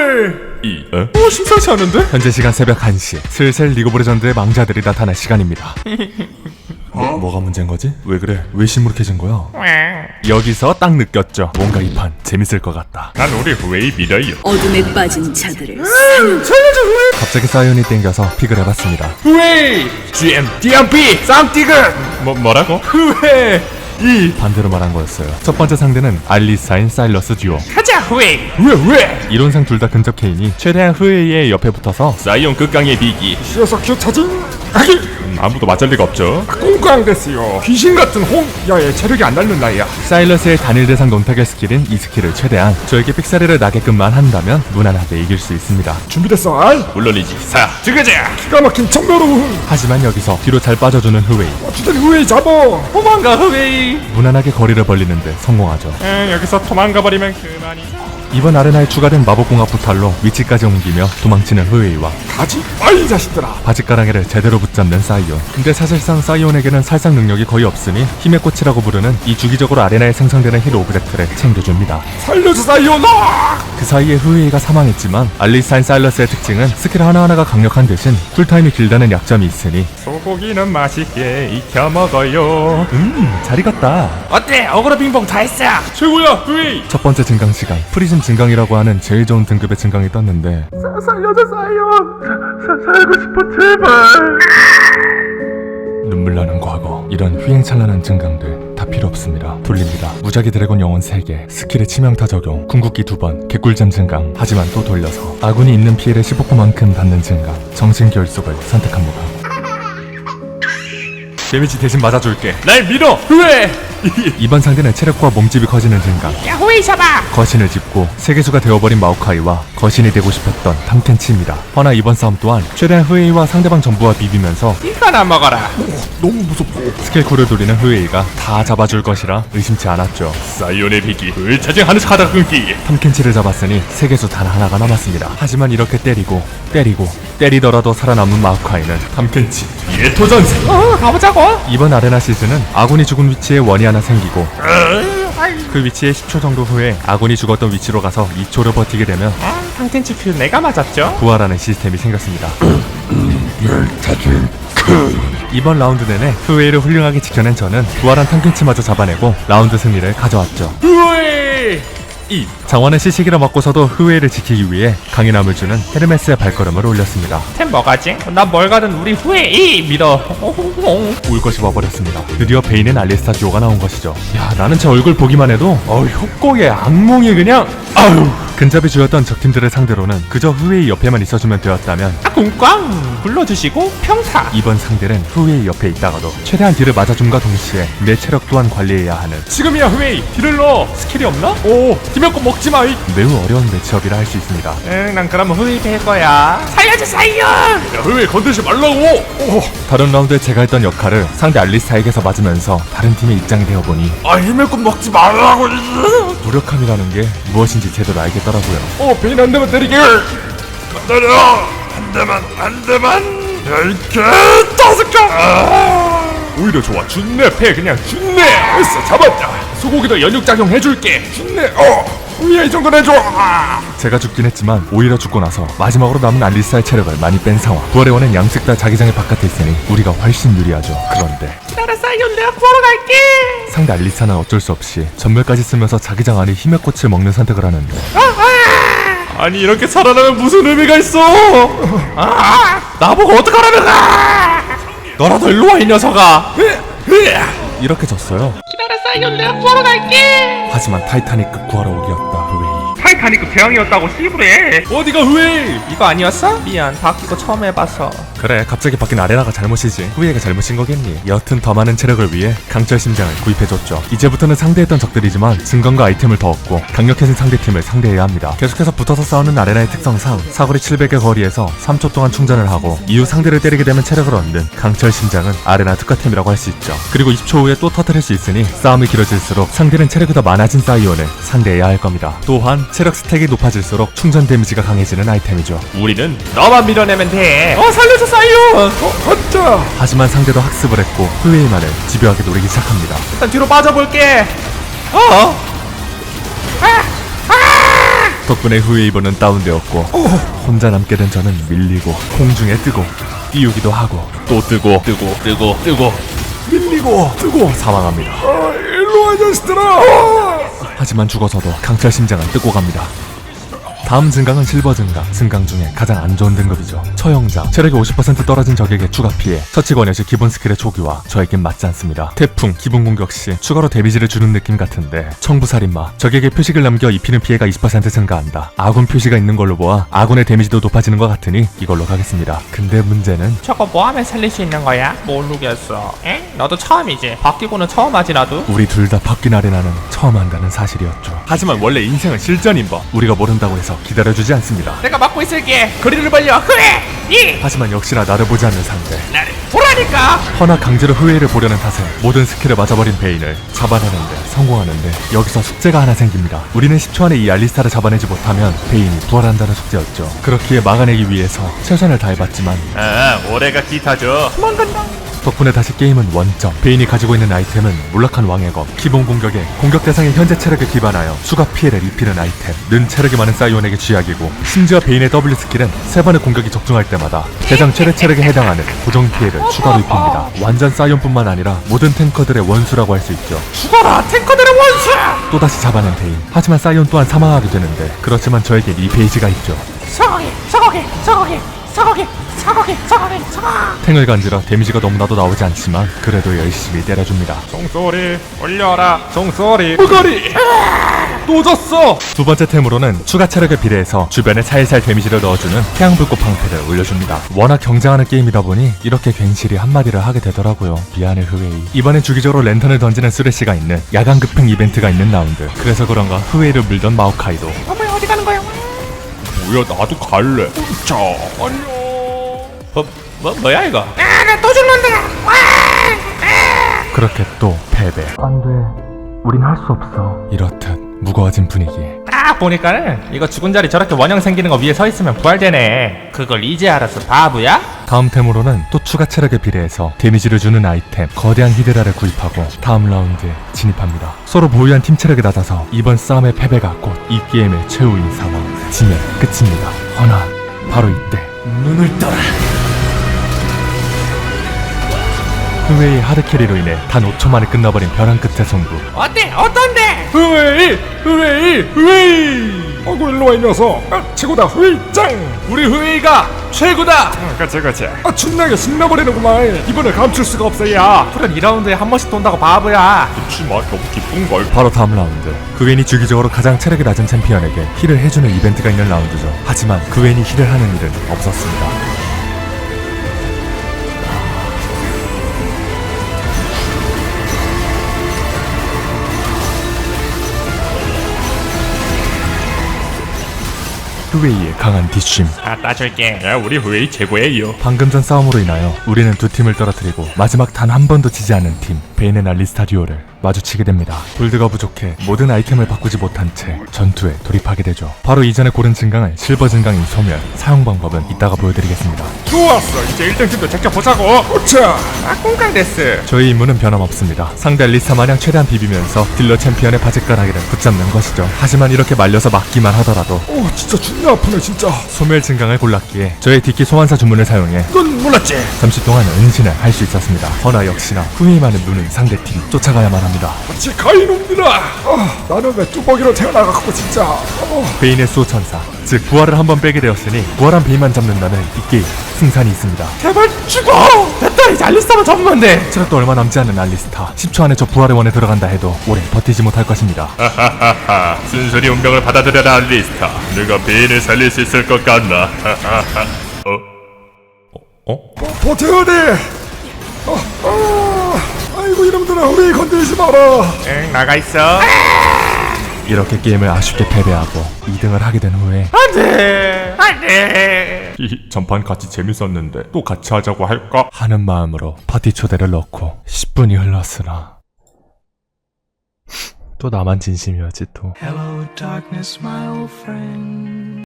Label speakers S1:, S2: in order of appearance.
S1: 심상치 않은데? 현재 시간 새벽 1시. 슬슬 리그 오브 레전드의 망자들이 나타날 시간입니다. 뭐가 문제인 거지? 왜 그래? 왜 시무룩해진 거야? 여기서 딱 느꼈죠. 뭔가 이 판 재밌을 것 같다.
S2: 난 우리 후웨이 믿어요.
S3: 어둠에 빠진 자들을
S1: 살려줘 후웨이! 갑자기 사이온이 땡겨서 픽을 해봤습니다.
S2: 후웨이! GM DMP 쌍띠그! 뭐라고?
S1: 후웨이! 이 반대로 말한 거였어요. 첫 번째 상대는 알리사인 사일러스 듀오.
S2: 가자 후웨이!
S1: 왜? 이론상 둘 다 근접 케인이 최대한 후웨이의 옆에 붙어서
S2: 사이온 극강의 비기.
S4: 시어석큐 차징
S2: 아무도 맞을 리가 없죠.
S4: 꽁꽝 됐어요. 귀신 같은 홍 야얘 체력이 안 닳는 나이야.
S1: 사일러스의 단일 대상 논타겟 스킬인 이 스킬을 최대한 저에게 픽사리를 나게끔만 한다면 무난하게 이길 수 있습니다.
S4: 준비됐어. 아이
S2: 물론이지. 사 들어가자.
S4: 기가 막힌 청멸우.
S1: 하지만 여기서 뒤로 잘 빠져주는 후웨이.
S4: 주된 후에 잡어.
S2: 도망가 후웨이.
S1: 무난하게 거리를 벌리는데 성공하죠.
S2: 여기서 도망가 버리면 그만이지.
S1: 이번 아레나에 추가된 마법공학 부탈로 위치까지 옮기며 도망치는 후웨이와
S4: 가지 빨리 자식들아.
S1: 바짓가랑이를 제대로 붙잡는 사이온. 근데 사실상 사이온에게는 살상 능력이 거의 없으니 힘의 꽃이라고 부르는 이 주기적으로 아레나에 생성되는 힐 오브젝트를 챙겨줍니다.
S4: 살려줘 사이오나.
S1: 그 사이에 후웨이가 사망했지만 알리사인 사일러스의 특징은 스킬 하나하나가 강력한 대신 쿨타임이 길다는 약점이 있으니
S2: 소고기는 맛있게 익혀 먹어요.
S1: 잘 익었다.
S2: 어때? 어그로 빙봉 다 했어. 최고야 후웨이.
S1: 첫 번째 증강 시간 프리즘 증강이라고 하는 제일 좋은 등급의 증강이 떴는데
S4: 살려줘 사이온. 살고 싶어 제발.
S1: 눈물 나는 과거. 이런 휘행찬란한 증강들 다 필요 없습니다. 돌립니다. 무작위 드래곤 영혼 3개, 스킬의 치명타 적용, 궁극기 2번, 개꿀잼 증강. 하지만 또 돌려서 아군이 입는 피해를 15%만큼 받는 증강, 정신 결속을 선택합니다. 데미지 대신 맞아줄게.
S2: 날 믿어 후웨이.
S1: 이번 상대는 체력과 몸집이 커지는 증강,
S2: 야 후웨이 잡아.
S1: 거신을 짚고 세계수가 되어버린 마오카이와 거신이 되고 싶었던 탐켄치입니다. 허나 이번 싸움 또한 최대한 후웨이와 상대방 전부와 비비면서
S2: 이거나 먹어라.
S4: 너무 무섭고.
S1: 스킬 쿨을 돌리는 후웨이가 다 잡아줄 것이라 의심치 않았죠.
S2: 사이온의 비기 불차징하는 하다 끊기.
S1: 탐켄치를 잡았으니 세계수 단 하나가 남았습니다. 하지만 이렇게 때리더라도 살아남은 마오카이는 탐켄치
S2: 예토전세. 가보자고.
S1: 이번 아레나 시즌은 아군이 죽은 위치에 원이 하나 생기고 그 위치에 10초 정도 후에 아군이 죽었던 위치로 가서 2초를 버티게 되면
S2: 탕텐치 퓨 내가 맞았죠?
S1: 부활하는 시스템이 생겼습니다. 이번 라운드 내내 후웨이를 훌륭하게 지켜낸 저는 부활한 탐켄치마저 잡아내고 라운드 승리를 가져왔죠.
S2: 후웨이.
S1: 이 장원의 시시기를 맞고서도 후웨이를 지키기 위해 강인함을 주는 헤르메스의 발걸음을 올렸습니다.
S2: 템 뭐가지? 나 뭘 가든 우리 후웨이 믿어.
S1: 울 것이 와버렸습니다. 드디어 베인의 알리스타 듀오가 나온 것이죠. 야, 나는 제 얼굴 보기만 해도 협곡의 악몽이 그냥 근접이 주였던 적팀들을 상대로는 그저 후웨이 옆에만 있어주면 되었다면
S2: 꽝 불러주시고 평타.
S1: 이번 상대는 후웨이 옆에 있다가도 최대한 딜을 맞아줌과 동시에 내 체력 또한 관리해야 하는
S2: 지금이야 후웨이. 딜을 넣어. 스킬이 없나? 오 디명권 먹지마.
S1: 매우 어려운 매치업이라 할 수 있습니다.
S2: 난 그럼 후웨이 될 거야. 살려줘 사이온. 야 후웨이 건들지 말라고.
S1: 다른 라운드에 제가 했던 역할을 상대 알리스타에게서 맞으면서 다른 팀의 입장이 되어보니
S2: 디명권 먹지 말라고.
S1: 무력함이라는 게 무엇인지 제대로 알겠더라고요.
S4: 베인 한 대만 때리게.
S2: 때려. 한 대만. 이렇게 다섯 개. 오히려 좋아. 준내 패 그냥 준내.
S4: 됐어 잡았다.
S2: 소고기도 연육작용 해줄게.
S4: 좋네. 위에 이 정도는 해줘.
S1: 제가 죽긴 했지만 오히려 죽고 나서 마지막으로 남은 알리스타의 체력을 많이 뺀 상황. 부활의 원은 양측 다 자기장의 바깥에 있으니 우리가 훨씬 유리하죠. 그런데
S2: 기다려 사이온 내가 구하러 갈게.
S1: 상대 알리스타는 어쩔 수 없이 전멸까지 쓰면서 자기장 안에 힘의 꽃을 먹는 선택을 하는데
S2: 아니 이렇게 살아나면 무슨 의미가 있어? 나보고 어떡하라는 거야? 너라도 일로 와 이 녀석아.
S1: 이렇게 졌어요.
S2: 기다려 사이온 내가 구하러 갈게.
S1: 하지만 타이타닉급 구하러 오기였다 후웨이.
S2: 타이타닉급 대왕이었다고 씨부래. 어디가 후웨이? 이거 아니었어? 미안 바뀌고 처음 해봐서.
S1: 그래 갑자기 바뀐 아레나가 잘못이지 후웨이가 잘못인 거겠니. 여튼 더 많은 체력을 위해 강철 심장을 구입해줬죠. 이제부터는 상대했던 적들이지만 증강과 아이템을 더 얻고 강력해진 상대팀을 상대해야 합니다. 계속해서 붙어서 싸우는 아레나의 특성상 사거리 700의 거리에서 3초 동안 충전을 하고 이후 상대를 때리게 되면 체력을 얻는 강철 심장은 아레나 특화템이라고 할 수 있죠. 그리고 20초 후에 또 터뜨릴 수 있으니 싸움이 길어질수록 상대는 체력이 더 많아진 사이온을 상대해야 할 겁니다. 또한 체력 스택이 높아질수록 충전 데미지가 강해지는 아이템이죠.
S2: 우리는 너만 밀어내면 돼. 살려줘 사이온.
S4: 혼자.
S1: 하지만 상대도 학습을 했고 후웨이만을 집요하게 노리기 시작합니다.
S2: 일단 뒤로 빠져볼게.
S1: 덕분에 후웨이버는 다운되었고 혼자 남게 된 저는 밀리고 공중에 뜨고 띄우기도 하고 또 뜨고 밀리고 뜨고 사망합니다.
S4: 일로 와 자식들아.
S1: 하지만 죽어서도 강철 심장은 뜯고 갑니다. 다음 증강은 실버 증강, 증강 중에 가장 안 좋은 등급이죠. 처형장, 체력이 50% 떨어진 적에게 추가 피해, 처치 권여시 기본 스킬의 초기화, 저에겐 맞지 않습니다. 태풍, 기본 공격 시 추가로 데미지를 주는 느낌 같은데, 청부살인마, 적에게 표식을 남겨 입히는 피해가 20% 증가한다. 아군 표시가 있는 걸로 보아 아군의 데미지도 높아지는 것 같으니 이걸로 가겠습니다. 근데 문제는
S2: 저거 뭐 하면 살릴 수 있는 거야? 모르겠어. 엥? 너도 처음이지? 바뀌고는 처음 하지 나도?
S1: 우리 둘 다 바뀐 아레나는 처음 한다는 사실이었죠. 하지만 원래 인생은 실전인 법, 우리가 모른다고 해서 기다려주지 않습니다.
S2: 내가 막고 있을게. 거리를 벌려. 그래! 이!
S1: 하지만 역시나 나를 보지 않는 상대.
S2: 나를 보라니까!
S1: 허나 강제로 후회를 보려는 탓에 모든 스킬을 맞아버린 베인을 잡아내는데 성공하는데 여기서 숙제가 하나 생깁니다. 우리는 10초 안에 이 알리스타를 잡아내지 못하면 베인이 부활한다는 숙제였죠. 그렇기에 막아내기 위해서 최선을 다해봤지만
S2: 올해가 기타죠. 도망간다.
S1: 덕분에 다시 게임은 원점. 베인이 가지고 있는 아이템은 몰락한 왕의 검, 기본 공격에 공격 대상의 현재 체력에 기반하여 수가 피해를 입히는 아이템, 는 체력이 많은 사이온에게 쥐약이고, 심지어 베인의 W 스킬은 3번의 공격이 적중할 때마다 대상 최대 체력에 해당하는 고정 피해를 추가로 입힙니다. 완전 사이온뿐만 아니라 모든 탱커들의 원수라고 할 수 있죠.
S2: 죽어라 탱커들의 원수!
S1: 또다시 잡아낸 베인. 하지만 사이온 또한 사망하게 되는데, 그렇지만 저에겐 이 페이지가 있죠.
S2: 서거기!
S1: 탱을 간지러 데미지가 너무나도 나오지 않지만 그래도 열심히 때려줍니다.
S4: 종소리 올려라. 종소리. 무거리. 또 졌어.
S1: 두 번째 템으로는 추가 체력에 비례해서 주변에 살살 데미지를 넣어주는 태양불꽃 방패를 올려줍니다. 워낙 경쟁하는 게임이다 보니 이렇게 괜시리 한마디를 하게 되더라고요. 미안해 후웨이. 이번엔 주기적으로 랜턴을 던지는 쓰레쉬가 있는 야간 급행 이벤트가 있는 라운드. 그래서 그런가 후웨이를 물던 마오카이도
S2: 어머야 어디 가는 거야?
S4: 뭐야 나도 갈래. 자 안녕.
S2: 뭐야 이거? 나 또 죽는다!
S1: 그렇게 또 패배. 안돼, 우린 할 수 없어. 이렇듯 무거워진 분위기.
S2: 딱 보니까는 이거 죽은 자리 저렇게 원형 생기는 거 위에 서 있으면 부활되네. 그걸 이제 알았어 바보야?
S1: 다음 템으로는 또 추가 체력에 비례해서 데미지를 주는 아이템 거대한 히드라를 구입하고 다음 라운드에 진입합니다. 서로 보유한 팀 체력이 낮아서 이번 싸움의 패배가 곧 이 게임의 최후인 상황. 지면 끝입니다. 허나 바로 이때 눈을 떠라. 후웨이의 하드캐리로 인해 단 5초 만에 끝나버린 벼랑 끝의 승부.
S2: 어때? 어떤데?
S4: 후웨이. 어구 일로 와 이 녀석. 최고다 후웨이짱.
S2: 우리 후웨이가 최고다!
S4: 그치. 존나게 신나버리는구만. 이번에 감출 수가 없어 야.
S2: 풀은 2라운드에 한 번씩 돈다고 바보야.
S4: 그치마 너무 기쁜걸.
S1: 바로 다음 라운드. 그웬이 주기적으로 가장 체력이 낮은 챔피언에게 힐을 해주는 이벤트가 있는 라운드죠. 하지만 그웬이 힐을 하는 일은 없었습니다. 후웨이의 강한 뒷심.
S2: 따줄게.
S4: 야 우리 후웨이 최고예요.
S1: 방금 전 싸움으로 인하여 우리는 두 팀을 떨어뜨리고 마지막 단 한 번도 지지 않은 팀 베인의 알리스타 듀오를 마주치게 됩니다. 골드가 부족해 모든 아이템을 바꾸지 못한 채 전투에 돌입하게 되죠. 바로 이전에 고른 증강을 실버 증강인 소멸. 사용 방법은 이따가 보여드리겠습니다.
S4: 좋았어. 이제 1등팀도 제껴보자고. 오차.
S2: 꽁깡데스.
S1: 저희 임무는 변함없습니다. 상대 알리스타 마냥 최대한 비비면서 딜러 챔피언의 바짓가락이를 붙잡는 것이죠. 하지만 이렇게 말려서 막기만 하더라도
S4: 오 진짜 존나 아프네 진짜.
S1: 소멸 증강을 골랐기에 저의 뒷기 소환사 주문을 사용해
S4: 이건 몰랐지.
S1: 잠시 동안 은신을 할 수 있었습니다. 허나 역시나 후회만을 누는 상대팀 쫓아가야만 합니다.
S4: 같이 가이놈들아. 나는 왜 뚜벅이로 태어나갖고 진짜.
S1: 베인의 수호천사, 즉 부활을 한번 빼게 되었으니 부활한 베인만 잡는다는 이 게임 승산이 있습니다.
S2: 제발 죽어! 됐다 이제 알리스타만 잡으면 돼!
S1: 체력도 얼마 남지 않은 알리스타. 10초 안에 저 부활의 원에 들어간다 해도 오래 버티지 못할 것입니다.
S4: 순순히 운명을 받아들여라 알리스타. 네가 베인을 살릴 수 있을 것 같나? 버텨야 돼. 아이고 이놈들아 우리 건들지 마라.
S2: 응 나가있어.
S1: 이렇게 게임을 아쉽게 패배하고 2등을 하게 된 후에
S2: 안돼!
S4: 이 전판 같이 재밌었는데 또 같이 하자고 할까?
S1: 하는 마음으로 파티 초대를 넣고 10분이 흘렀으나 또 나만 진심이었지 또.
S3: Hello, darkness, my old friend.